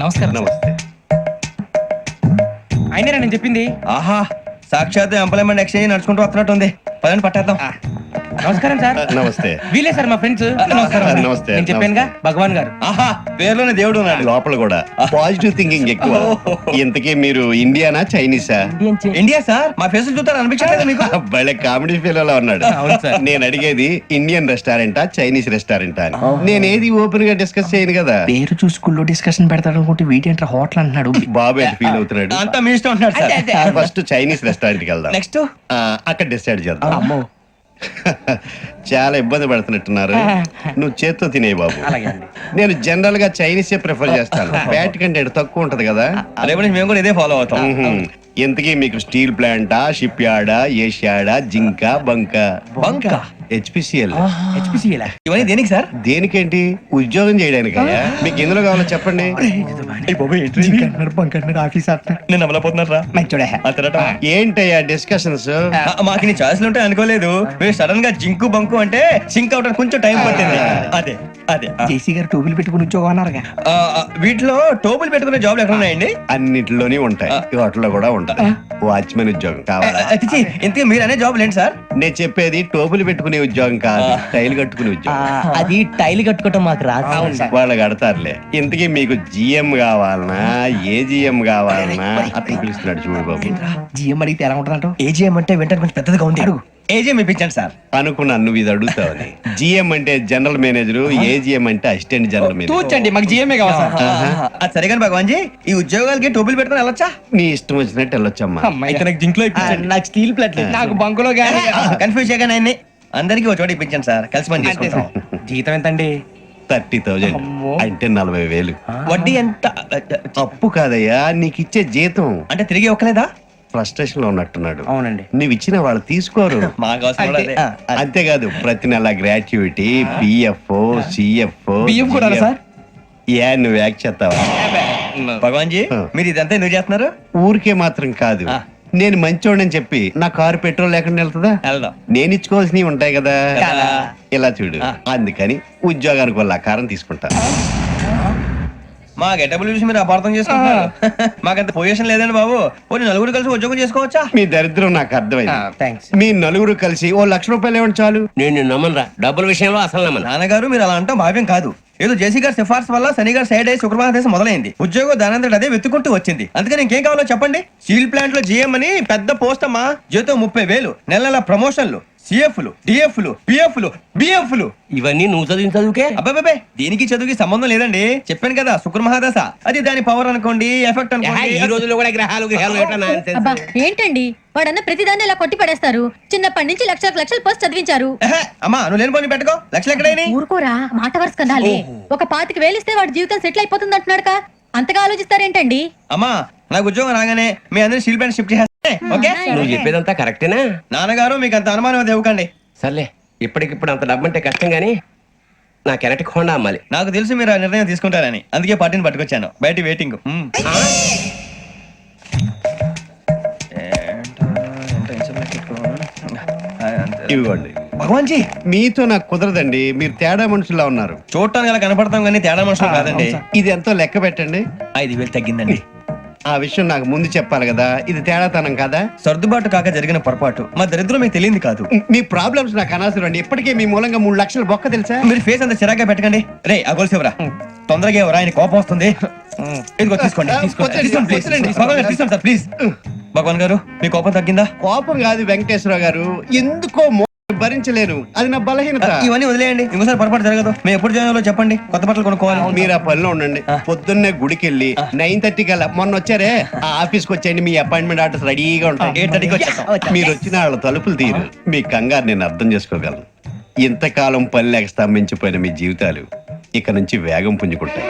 నమస్కారం. నమస్తే. అయినా నేను చెప్పింది. ఆహా, సాక్షాత్ ఎంప్లాయ్మెంట్ ఎక్స్చేంజ్ నడుచుకుంటూ వస్తున్నట్టుంది. పదండి పట్టేద్దాం. నమస్కారం సార్. నమస్తే. వీలే సార్ మా ఫ్రెండ్స్. నమస్తే. నేను చెప్పానుగా భగవాన్ గారు. ఆహా, పేర్లోనే దేవుడు ఉన్నాడు. లోపల కూడా పాజిటివ్ థింకింగ్ ఎక్కువ. ఇంతకీ మీరు ఇండియానా చైనీసా? India sir. మా ఫేస్ చూస్తారు అనిపించలేదు మీకు? భలే కామెడీ ఫీల్ అలా ఉన్నాడు. అవును సార్. నేను అడిగేది ఇండియన్ రెస్టారెంటా చైనీస్ రెస్టారెంటా అని. నేనేది ఓపెన్ గా డిస్కస్ చేయను కదా. పేరు చూసుకుల్లో డిస్కషన్ పెడతాడు అనుకుంటే వీటి హోటల్ అంటున్నాడు. బాబు ఎట్ ఫీల్ అవుతున్నాడు. అంతా మీ ఇష్టం ఉంటున్నాడు సార్. ఫస్ట్ చైనీస్ రెస్టారెంట్ కి వెళ్దాం. నెక్స్ట్ అక్కడ డిసైడ్ చేద్దాం. అమ్మో చాలా ఇబ్బంది పడుతున్నట్టున్నారు. నువ్వు చేత్తో తినే బాబు. అలాగే అండి. నేను జనరల్ గా చైనీసే ప్రిఫర్ చేస్తాను. బ్యాట్ కంటే తక్కువ ఉంటది కదా. రేపు నుంచి మేము కూడా ఇదే ఫాలో అవుతాం. ఇంతకీ మీకు స్టీల్ ప్లాంటా, షిప్ యార్డా, ఏషియాడా, జింక, బంకా? బంక హెచ్పిసిఎల్. ఇవన్నీ దేనికి సార్? దేనికేంటి? ఉద్యోగం చేయడానికి. మీకు ఎందులో కావాలో చెప్పండి. నేను అమలపోతున్నారా? ఏంటయ్యా డిస్కషన్స్? మాకు నీ ఛాయిస్లు ఉంటాయి అనుకోలేదు. మీరు సడన్ గా జింకు బంకు అంటే సింక్ అవడానికి కొంచెం టైం పట్టింది. అదే అదే జేసీ గారు టోపీలు పెట్టుకుని ఉద్యోగం అన్నారుగా. వీటిలో టోపులు పెట్టుకునే జాబ్లు ఎక్కడ ఉన్నాయండి? అన్నిటిలోనే ఉంటాయి. వాటిలో కూడా ఉంటాయి. వాచ్మెన్ ఉద్యోగం కావాలా? ఇంతకీ మీరు అనే జాబ్ ఏంటి సార్? నేను చెప్పేది టోపులు పెట్టుకునే ఉద్యోగం కాదు, టైల్ కట్టుకునే ఉద్యోగం. అది టైల్ కట్టుకోవటం మాకు రాదు. వాళ్ళు కడతారులే. ఇంతకీ మీకు జిఎం కావాలనా, ఏ జిఎం కావాలనా? అతను పిలుస్తున్నాడు చూడు బాబు. జిఎం అడిగితే ఎలా ఉంటుందంట? ఏజీఎం అంటే వెంటనే కొంచెం పెద్దదిగా ఉంది. అడుగు. ఏజీఎం ఇప్పించండి సార్. అనుకున్నాను నువ్వు ఇది అడుగుతావని. జిఎం అంటే జనరల్ మేనేజర్, ఏజిఎం అంటే అసిస్టెంట్ జనరల్ మేనేజర్. తూచండి, మాకు జిఎంఏ కావాలి సార్. అది సరే కానీ భగవాన్ జీ, ఈ ఉద్యోగాలకి టోపులు పెట్టుకుని వెళ్ళొచ్చా? నీ ఇష్టం వచ్చినట్టు వెళ్ళొచ్చమ్మా. అయితే నాకు జింక్లో ఇప్పించండి. నాకు స్టీల్ ప్లేట్ నాకు బంకులో గానీ. కన్ఫ్యూజ్ చేయగానే ఆయన్ని అందరికీ ఒక చోట ఇప్పించండి సార్. కలిసి పని చేసుకుంటాం. జీతం ఎంతండి? 30,000 అంటే 40,000. వడ్డీ ఎంత? అప్పు కాదయ్యా, నీకు ఇచ్చే జీతం. అంటే తిరిగి ఒక్కలేదా? ఫ్రస్ట్రేషన్ లో ఉన్నట్టున్నాడు. అవునండి. నువ్వు ఇచ్చిన వాళ్ళు తీసుకోరు. మాకు అవసరం కూడా అదే. అంతేకాదు ప్రతి నెల గ్రాట్యుటీ, పిఎఫ్, సిఎఫ్. బియ్యం కూడా సార్? ఏ నువ్వు యాక్ట్ చేస్తావా? భగవాన్ జీ, మీరు ఇదంతా ఎందుకు చేస్తున్నారు? ఊరికే మాత్రం కాదు. నేను మంచోడని చెప్పి నా కారు పెట్రోల్ లేకుండా వెళ్తుందా? వెళ్దాం. నేను ఇచ్చుకోవాల్సినవి ఉంటాయి కదా. కదా. ఇలా చూడు. అందుకని ఉద్యోగానికి వాళ్ళ ఆకారం తీసుకుంటా. మా గెటబుల్ చూసి మీరు అపార్థం చేసుకుంటున్నారు. మాకంత పొజిషన్ లేదండి బాబు. పోనీ నలుగురు కలిసి ఉద్యోగం చేసుకోవచ్చా? మీ దరిద్రం నాకు అర్థమైంది. థ్యాంక్స్. మీ నలుగురు కలిసి ఓ ₹1,00,000 ఇవ్వండి చాలు. నేను నమ్మనరా, డబ్బుల విషయంలో అసలు నమ్మను. నాన్నగారు మీరు అలా అంటాం భావ్యం కాదు. ఏదో జేసీ గారి సిఫార్సు వల్ల శని గారు సైడ్ అయ్యి శుక్రవారం మొదలైంది. ఉద్యోగం దానంతటి అదే వెతుకుంటూ వచ్చింది. అందుకని ఇంకేం కావాలో చెప్పండి. స్టీల్ ప్లాంట్ లో జిఎం అని పెద్ద పోస్ట్ అమ్మా. జీతం 30,000, నెల నెల ప్రమోషన్లు, సిఎఫ్లు, డిఎఫ్లు, పిఎఫ్లు, బిఎఫ్లు. ఇవన్నీ నువ్వు చదివిన చదువుకే. అబ్బాబే, దీనికి చదువుకి సంబంధం లేదండి. చెప్పాను కదా, శుక్ర మహాదశ. అది దాని పవర్ అనుకోండి, ఎఫెక్ట్ ఈ అనుకోండి. రోజుల్లో కూడా గ్రహాలు ఎట్లా nonsense? అబ్బా ఏంటండి వాడన్న ప్రతిదాన్ని ఇలా కొట్టి పడేస్తారు. చిన్నప్పటి నుంచి లక్షల పోస్ట్ చదివించారు. అమ్మా నువ్వు లేని పోనీ పెట్టుకో. లక్షలు ఎక్కడైనా ఊరుకోరా, మాట వరుస కదాలే. ఒక 25,000 ఇస్తే వాడి జీవితం సెటిల్ అయిపోతుంది అంటున్నాడుగా. అంతగా ఆలోచిస్తారేంటండి? అమ్మా నాకు ఉద్యోగం రాగానే మీ అందరూ స్టీల్ ప్లాంట్ షిఫ్ట్ చేస్తే ఓకే. నువ్వు చెప్పేదంతా కరెక్టేనా? నాన్నగారు మీకు అంత అనుమానం అది ఇవ్వకండి. సర్లే, ఇప్పటికిప్పుడు అంత డబ్బు అంటే కష్టం గానీ నాకు ఎలక్ట్రిక్ హోండా అమ్మాలి. నాకు తెలుసు మీరు ఆ నిర్ణయం తీసుకుంటారని, అందుకే పార్టీని పట్టుకొచ్చాను. బయట వెయిటింగ్. ఇవ్వండి. భగవాన్ జీ, మీతో నాకు కుదరదండి. మీరు తేడా మనుషుల్లా ఉన్నారు. చూడటానికి అలా కనపడతాం కానీ తేడా మనుషులు కాదండి. ఇది ఎంతో లెక్క పెట్టండి. 5,000 తగ్గిందండి. ఆ విషయం నాకు ముందు చెప్పాలి కదా. ఇది తేడాతనం కదా. సర్దుబాటు కాక జరిగిన పొరపాటు. మా దరిద్రం మీకు తెలియదు కాదు. మీ ప్రాబ్లమ్స్ నాకు అనవసరం అండి. ఇప్పటికే మీ మూలంగా 3,00,000 బొక్క తెలుసా. మీరు ఫేస్ అంత చిరాగ్గా పెట్టకండి. రే ఆ గొలుసేవరా, తొందరగా ఎవరా, ఆయన కోపం వస్తుంది. ఇదిగో తీసుకోండి. తీసుకోండి సార్ ప్లీజ్. భగవాన్ గారు మీ కోపం తగ్గిందా? కోపం కాదు వెంకటేశ్వర గారు, ఎందుకో భరించలేను. అది నా బలహీనత. ఇవన్నీ వదిలేయండి, ఇంకోసారి పొరపాటు జరగదు. మేము ఎప్పుడు జాయిన్ అవ్వాలో చెప్పండి, కొత్త బట్టలు కొనుక్కోవాలి. మీరు ఆ పనిలో ఉండండి. పొద్దున్నే గుడికి వెళ్ళి 9:30 కల్లా, మొన్న వచ్చారే ఆ ఆఫీస్కి వచ్చేయండి. మీ అపాయింట్మెంట్ ఆర్డర్స్ రెడీగా ఉంటాయి. 8:30కి వచ్చేస్తాం. మీరు వచ్చిన వాళ్ళ తలుపులు తీరు. మీ కంగారు నేను అర్థం చేసుకోగలను. ఇంతకాలం పని లేక స్తంభించిపోయిన మీ జీవితాలు ఇక నుంచి వేగం పుంజుకుంటాయి.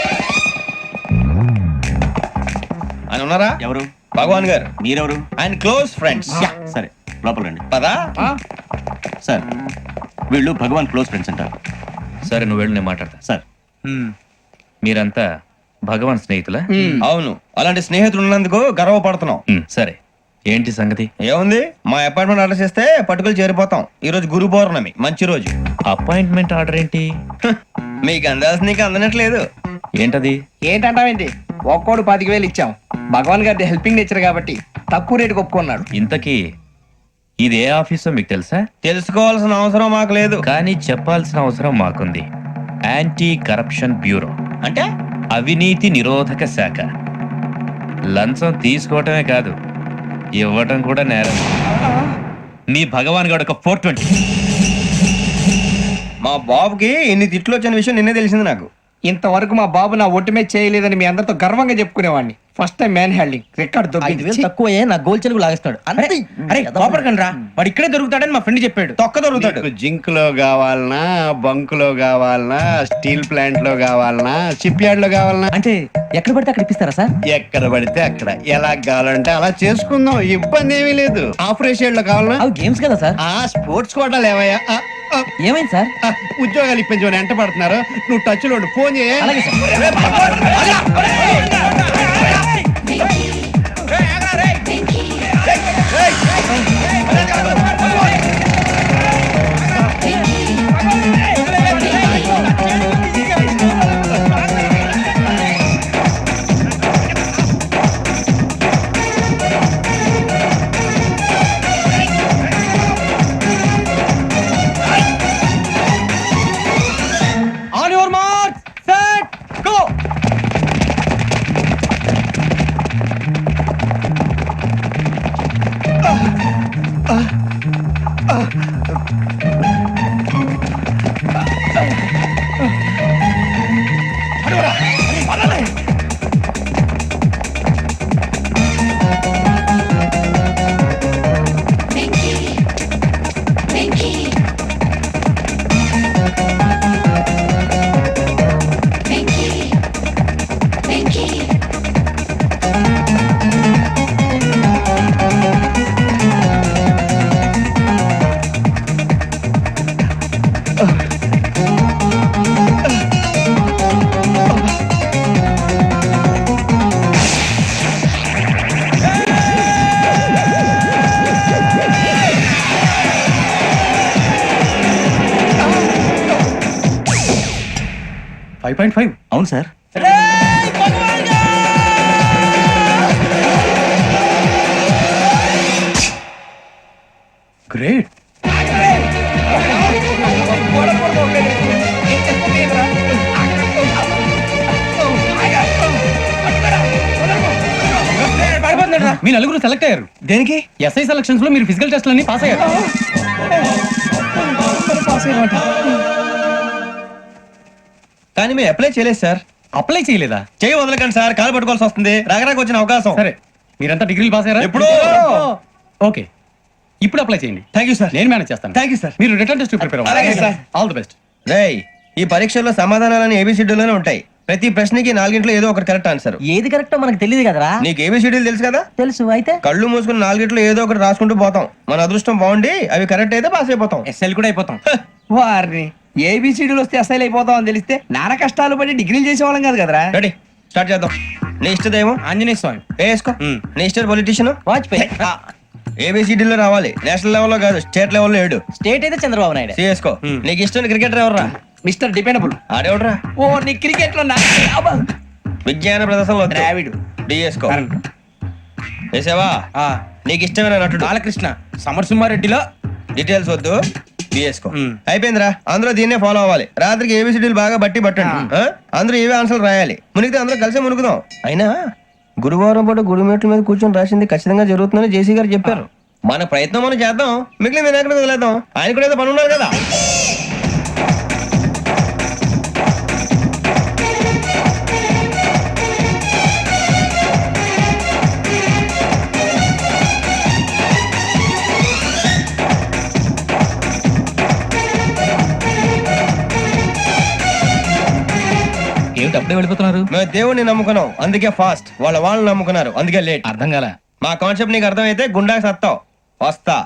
ఆయన ఉన్నారా? ఎవరు? భగవాన్ గారు. మీరెవరు? ఆయన క్లోజ్ ఫ్రెండ్స్. సరే లోపల రండి. పదా సార్ వీళ్ళు భగవాన్ క్లోజ్ ఫ్రెండ్స్ అంటారు. సరే నువ్వు వెళ్ళు, నేను మాట్లాడతా. సార్ మీరంతా భగవాన్ స్నేహితులా? అవును, అలాంటి స్నేహితులు ఉన్నందుకు గర్వపడుతున్నాం. సరే, ఏంటి సంగతి? ఏముంది, మా అపాయింట్మెంట్ ఆర్డర్ చేస్తే పట్టుకులు చేరిపోతాం. ఈ రోజు గురు పౌర్ణమి, మంచి రోజు. అపాయింట్మెంట్ ఆర్డర్ ఏంటి? మీకు అందాల్సిన నీకు అందనట్లేదు. ఏంటది? ఏంటంటావేంటి? ఒక్కోడు 25,000 ఇచ్చాం. భగవాన్ గారి హెల్పింగ్ నేచర్ కాబట్టి తక్కువ రేటుకి ఒప్పుకున్నాడు. ఇంతకీ ఇది ఏ ఆఫీసో మీకు తెలుసా? తెలుసుకోవాల్సిన అవసరం మాకు లేదు. కానీ చెప్పాల్సిన అవసరం మాకుంది. యాంటీ కరప్షన్ బ్యూరో, అంటే అవినీతి నిరోధక శాఖ. లంచం తీసుకోవటమే కాదు, ఇవ్వటం కూడా నేరం. మీ భగవాన్ గారు ఒక 420. మా బాబుకి ఇన్ని తిట్లు వచ్చిన విషయం నిన్నే తెలిసింది నాకు. ఇంతవరకు మా బాబు నా ఒట్టుమే చేయలేదని మీ అందరితో గర్వంగా చెప్పుకునేవాడిని. First time man handing record దొరికింది. తక్కువే నా గోల్ చెలుగు లాగేస్తాడు. అరే కోపడకండి రా, వాడు ఇక్కడే దొరుకుతాడని మా ఫ్రెండ్ చెప్పాడు. తొక్క దొరుకుతాడు. మీకు జింక్ లో కావాలనా, బంక్ లో కావాలనా, స్టీల్ ప్లాంట్ లో కావాలనా, షిప్ యార్డ్ లో కావాలనా? అంటే ఎక్కడ పడితే అక్కడ ఇప్పిస్తారా సార్? ఎక్కడ పడితే అక్కడ, ఎలా కావాలంటే అలా చేసుకుందాం, ఇబ్బంది ఏమీ లేదు. ఆపరేషన్ లో కావాలనా? అవి గేమ్స్ కదా సార్. ఆ స్పోర్ట్స్ కోటాలు ఏమయ్యా? ఏమైంది సార్? ఉద్యోగాలు ఇప్పించమని ఎంట పడుతున్నారు. నువ్వు టచ్ లో ఉండు, ఫోన్ చేయ. అలాగే sir. On your mark, set, go. అవును సార్. గ్రేట్. మీ నలుగురు సెలెక్ట్ అయ్యారు. దేనికి? ఎస్ఐ సెలక్షన్స్ లో మీరు ఫిజికల్ టెస్ట్ అన్ని పాస్ అయ్యారు. కానీ మేము అప్లై చేయలేదు సార్. అప్లై చేయలేదా? చేయి వదలకండి సార్, కాలు పట్టుకోవాల్సి వస్తుంది. రాగరాకు వచ్చిన అవకాశం. సరే, మీరంతా డిగ్రీలు పాస్ అయ్యారా? ఎప్పుడో. ఓకే, ఇప్పుడు అప్లై చేయండి. Thank you sir. నేను మేనేజ్ చేస్తాను. Thank you sir. మీరు రిటర్న్ టెస్ట్ ప్రిపేర్ అలాగే సార్. All the best. రేయ్, ఈ పరీక్షల్లో సమాధానాలని ఏబిసిడ్యూల్లోనే ఉంటాయి. ప్రతి ప్రశ్నకి 4 ఏదో ఒకటి కరెక్ట్ ఆన్సర్. ఏది కరెక్టో మనకు తెలియదు కదరా. నీకు ఏబిసిడ్యూల్ తెలుసు కదా? తెలుసు. అయితే కళ్ళు మూసుకుని 4 ఏదో ఒకటి రాసుకుంటూ పోతాం. మన అదృష్టం బాగుండి అవి కరెక్ట్ అయితే పాస్ అయిపోతాం. ఎస్ఎల్ కూడా అయిపోతాం. వారిని ఏబిసిడీలు వస్తే అసైల్ అయిపోతాం అని తెలిస్తే నాన్న కష్టాలు పడి డిగ్రీలు చేసేవాళ్ళం కాదు కదరా. రెడీ, స్టార్ట్ చేద్దాం. నీ ఇష్టదేమో ఆంజనేయ స్వామి. వేసుకో. నీ ఇష్ట పొలిటీషియన్ వాజ్పేయి. ఏబిసిడీలో రావాలి. నేషనల్ లెవెల్లో కాదు, స్టేట్ లెవెల్లో 7. స్టేట్ అయితే చంద్రబాబు నాయుడు. సిఎస్కో. నీకు ఇష్టం క్రికెటర్ ఎవర్రా? Mister dependable. ఆడేవడరా? ఓ నీ క్రికెట్ లో విజ్ఞాన ప్రదర్శనలో ద్రావిడు. డిఎస్కో. వేసావా? నీకు ఇష్టమైన నటుడు? బాలకృష్ణ. సమర్సింహారెడ్డిలో డీటెయిల్స్ వద్దు, బిఎస్కో. అయిపోయిందిరా. అందరూ దీన్నే ఫాలో అవ్వాలి. రాత్రికి ఏబిసిడీలు బాగా బట్టి పట్టండి. అందరూ ఏవే ఆన్సర్లు రాయాలి. మునిగితే అందరూ కలిసి మునుగుదాం. అయినా గురువారం పాటు గురుమేట్ల మీద కూర్చొని రాసింది ఖచ్చితంగా జరుగుతుందని జేసీ గారు చెప్పారు. మన ప్రయత్నం మనం చేద్దాం, మిగిలిన నేను ఎక్కడ వదిలేద్దాం. ఆయన కూడా ఏదో పని ఉన్నారు కదా. ఏమిటి అప్పుడే వెళ్ళిపోతున్నారు? మేము దేవుడిని నమ్ముకున్నాం, అందుకే ఫాస్ట్. వాళ్ళు నమ్ముకున్నారు, అందుకే లేట్. అర్థం కాల. మా కాన్సెప్ట్ నీకు అర్థమైతే గుండా సత్తావు. వస్తా.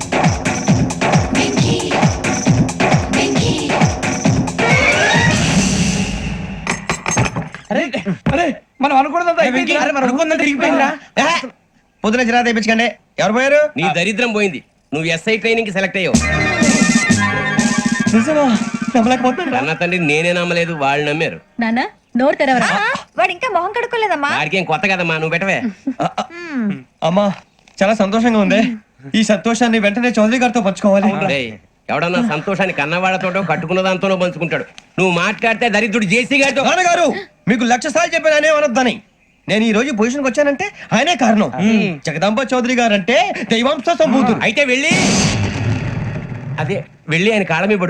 మనం అనుకున్నదంతా పొద్దున చిరా తెప్పించకండి. ఎవరు పోయారు? నీ దరిద్రం పోయింది. నువ్వు ఎస్ఐ ట్రైనింగ్ సెలెక్ట్ అయ్యావు. అన్న తండ్రి నేనే నమ్మలేదు, వాళ్ళు నమ్మారు. నాన్న నోరు తెరవరా? వాడు ఇంకా మొహం కడుక్కోలేదమ్మా వాడికి ఏం కొత్త కదమ్మా, నువ్వు పెట్టవే. అమ్మా చాలా సంతోషంగా ఉంది. ఈ సంతోషాన్ని వెంటనే చౌదరి గారితో పంచుకోవాలి. రేయ్, ఎవడన్నా సంతోషాన్ని కన్నవాళ్లతోటో కట్టుకున్న దాంతోనో పంచుకుంటాడు. నువ్వు మాట్లాడితే దరిద్రుడు జేసీ గారితో. నాన్నగారు మీకు 1,00,000 సార్లు చెప్పాననే అనొద్దని. నేను ఈ రోజు పొజిషన్కి వచ్చానంటే ఆయనే కారణం. జగదాంబ చౌదరి గారు అంటే దైవాంశ సంభూతుడు. అయితే వెళ్ళి ఆయన కాళ్ళ మీద పడు.